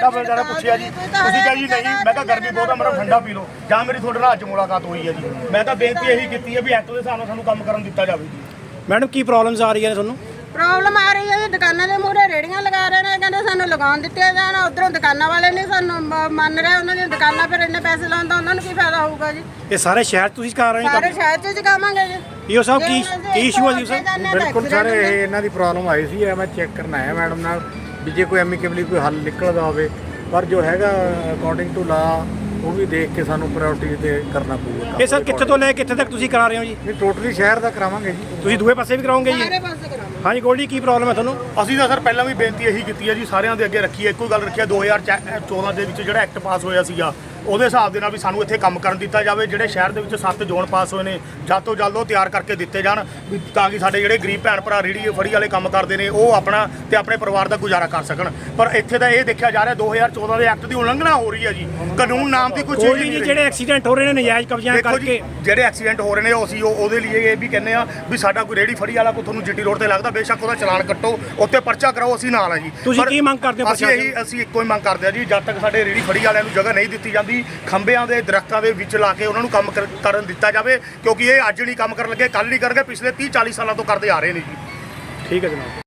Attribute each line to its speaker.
Speaker 1: ਕਿਹਾ ਬੇਚਾਰਾ ਪੁੱਛਿਆ ਜੀ ਤੁਸੀਂ ਕਿਹਾ ਜੀ ਨਹੀਂ ਮੈਂ ਕਿਹਾ ਗਰਮੀ ਬਹੁਤ ਆ ਮੇਰਾ ਠੰਡਾ ਪੀ ਲਓ ਜਾਂ ਮੇਰੀ ਤੁਹਾਡੇ ਨਾਲ ਅੱਜ ਮੁਲਾਕਾਤ ਹੋਈ ਹੈ ਜੀ ਮੈਂ ਤਾਂ ਬੇਨਤੀ ਇਹੀ ਕੀਤੀ ਹੈ ਵੀ ਐਕਟ ਦੇ ਹਿਸਾਬ ਨਾਲ ਸਾਨੂੰ ਕੰਮ ਕਰਨ ਦਿੱਤਾ ਜਾਵੇ ਜੀ।
Speaker 2: ਮੈਡਮ ਕੀ ਪ੍ਰੋਬਲਮਸ ਆ ਰਹੀਆਂ ਨੇ ਤੁਹਾਨੂੰ?
Speaker 3: ਪ੍ਰੋਬਲਮ ਆ ਰਹੀ ਹੈ ਜੀ ਦੁਕਾਨਾਂ ਦੇ ਮੂਹਰੇ ਰੇੜੀਆਂ ਲਗਾ ਰਹੇ ਨੇ ਕਹਿੰਦੇ ਸਾਨੂੰ ਲਗਾਉਣ ਦਿੱਤੇ ਜਾਣ ਉਧਰੋਂ ਦੁਕਾਨਾਂ ਵਾਲੇ ਨਹੀਂ ਸਾਨੂੰ ਮੰਨ ਰਹੇ ਉਹਨਾਂ ਦੀਆਂ ਦੁਕਾਨਾਂ ਫਿਰ ਇੰਨੇ ਪੈਸੇ ਲਾਉਣ ਦਾ ਉਹਨਾਂ ਨੂੰ ਕੀ ਫਾਇਦਾ ਹੋਊਗਾ ਜੀ।
Speaker 2: ਇਹ ਸਾਰੇ ਸ਼ਹਿਰ ਤੁਸੀਂ ਕਰ ਰਹੇ ਹੋ
Speaker 3: ਸਾਰੇ ਸ਼ਹਿਰ 'ਚ ਚੁਕਾਵਾਂਗੇ ਜੀ।
Speaker 2: ਈਓ ਸਾਹਿਬ ਕੀ ਇਸ਼ੂ ਹੈ ਜੀ ਸਰ?
Speaker 4: ਬਿਲਕੁਲ ਸਰ ਇਹ ਇਹਨਾਂ ਦੀ ਪ੍ਰੋਬਲਮ ਆਈ ਸੀ ਮੈਂ ਚੈੱਕ ਕਰਨ ਆਇਆ ਮੈਡਮ ਨਾਲ ਵੀ ਜੇ ਕੋਈ ਐਮੀਕੇਬਲੀ ਕੋਈ ਹੱਲ ਨਿਕਲਦਾ ਹੋਵੇ ਪਰ ਜੋ ਹੈਗਾ ਅਕੋਰਡਿੰਗ ਟੂ ਲਾ ਉਹ ਵੀ ਦੇਖ ਕੇ ਸਾਨੂੰ ਪ੍ਰਾਇੋਰਟੀ ਤੇ ਕਰਨਾ ਪਊਗਾ।
Speaker 2: ਇਹ ਸਰ ਕਿੱਥੇ ਤੋਂ ਲੈ ਕਿੱਥੇ ਤੱਕ ਤੁਸੀਂ ਕਰਾ ਰਹੇ ਹੋ ਜੀ?
Speaker 4: ਨਹੀਂ ਟੋਟਲੀ ਸ਼ਹਿਰ ਦਾ ਕਰਾਵਾਂਗੇ ਜੀ।
Speaker 2: ਤੁਸੀਂ ਦੂਏ ਪਾਸੇ ਵੀ ਕਰਾਓਗੇ ਜੀ?
Speaker 3: ਸਾਰੇ ਪਾਸੇ ਕਰਾਵਾਂਗੇ।
Speaker 2: ਹਾਂਜੀ ਗੋਲਡੀ ਕੀ ਪ੍ਰੋਬਲਮ ਹੈ ਤੁਹਾਨੂੰ?
Speaker 1: ਅਸੀਂ ਤਾਂ ਸਰ ਪਹਿਲਾਂ ਵੀ ਬੇਨਤੀ ਇਹੀ ਕੀਤੀ ਹੈ ਜੀ ਸਾਰਿਆਂ ਦੇ ਅੱਗੇ ਰੱਖੀ ਹੈ ਇੱਕੋ ਗੱਲ ਰੱਖੀ ਹੈ 2014 ਦੇ ਵਿੱਚ ਜਿਹੜਾ ਐਕਟ ਪਾਸ ਹੋਇਆ ਸੀਗਾ ਉਹਦੇ ਹਿਸਾਬ ਦੇ ਨਾਲ ਵੀ ਸਾਨੂੰ ਇੱਥੇ ਕੰਮ ਕਰਨ ਦਿੱਤਾ ਜਾਵੇ। ਜਿਹੜੇ ਸ਼ਹਿਰ ਦੇ ਵਿੱਚ 7 ਜ਼ੋਨ ਪਾਸ ਹੋਏ ਨੇ ਜਲਦ ਤੋਂ ਜਲਦ ਉਹ ਤਿਆਰ ਕਰਕੇ ਦਿੱਤੇ ਜਾਣ ਵੀ ਤਾਂ ਕਿ ਸਾਡੇ ਜਿਹੜੇ ਗਰੀਬ ਭੈਣ ਭਰਾ ਰੇਹੜੀ ਫੜੀ ਵਾਲੇ ਕੰਮ ਕਰਦੇ ਨੇ ਉਹ ਆਪਣਾ ਤੇ ਆਪਣੇ ਪਰਿਵਾਰ ਦਾ ਗੁਜ਼ਾਰਾ ਕਰ ਸਕਣ। ਪਰ ਇੱਥੇ ਤਾਂ ਇਹ ਦੇਖਿਆ ਜਾ ਰਿਹਾ 2014 ਦੇ ਐਕਟ ਦੀ ਉਲੰਘਣਾ ਹੋ ਰਹੀ ਹੈ ਜੀ। ਕਾਨੂੰਨ ਨਾਮ ਦੀ ਕੋਈ ਚੀਜ਼
Speaker 2: ਗੋਲਡੀ ਜੀ ਜਿਹੜੇ ਐਕਸੀਡੈਂਟ ਹੋ ਰਹੇ ਨੇ ਨਜਾਇਜ਼ ਕਬਜ਼ਿਆਂ
Speaker 1: ਦੇਖੋ ਜੀ
Speaker 2: ਕਰਕੇ
Speaker 1: ਜਿਹੜੇ ਐਕਸੀਡੈਂਟ ਹੋ ਰਹੇ ਨੇ ਅਸੀਂ ਉਹਦੇ ਲਈ ਇਹ ਵੀ ਕਹਿੰਦੇ ਆ ਵੀ ਸਾਡਾ ਕੋਈ ਰੇਹੜੀ ਫੜੀ ਵਾਲਾ ਕੋਈ ਤੁਹਾਨੂੰ ਜੀਟੀ ਰੋਡ ਤੇ ਲੱਗਦਾ ਬੇਸ਼ੱਕ ਉਹਦਾ ਚਲਾਨ ਕੱਟੋ ਉੱਤੇ ਪਰਚਾ ਕਰਾਓ ਅਸੀਂ ਨਾਲ ਆ ਜੀ।
Speaker 2: ਤੁਸੀਂ
Speaker 1: ਪਰ
Speaker 2: ਕੀ ਮੰਗ ਕਰਦੇ ਹੋ
Speaker 1: ਅਸੀਂ ਇੱਕੋ ਹੀ ਮੰਗ ਕਰਦੇ ਆ ਜੀ ਜਦ ਤੱਕ ਸਾਡੇ ਰੇਹੜੀ ਫੜੀ ਵਾਲਿਆਂ ਨੂੰ ਜਗ੍ਹਾ ਨਹੀਂ ਦਿੱਤੀ ਜਾਂਦੀ ਖੰਭਿਆਂ ਦੇ ਦਰਖਤਾਂ ਦੇ ਵਿੱਚ ਲਾ ਕੇ ਉਹਨਾਂ ਨੂੰ ਕੰਮ ਕਰਨ ਦਿੱਤਾ ਜਾਵੇ ਕਿਉਂਕਿ ਇਹ ਅੱਜ ਨਹੀਂ ਕੰਮ ਕਰਨ ਲੱਗੇ ਕੱਲ ਨਹੀਂ ਕਰਨਗੇ ਪਿਛਲੇ 30-40 ਸਾਲਾਂ ਤੋਂ ਕਰਦੇ ਆ ਰਹੇ ਨੇ ਜੀ।
Speaker 2: ਠੀਕ ਹੈ ਜਨਾਬ।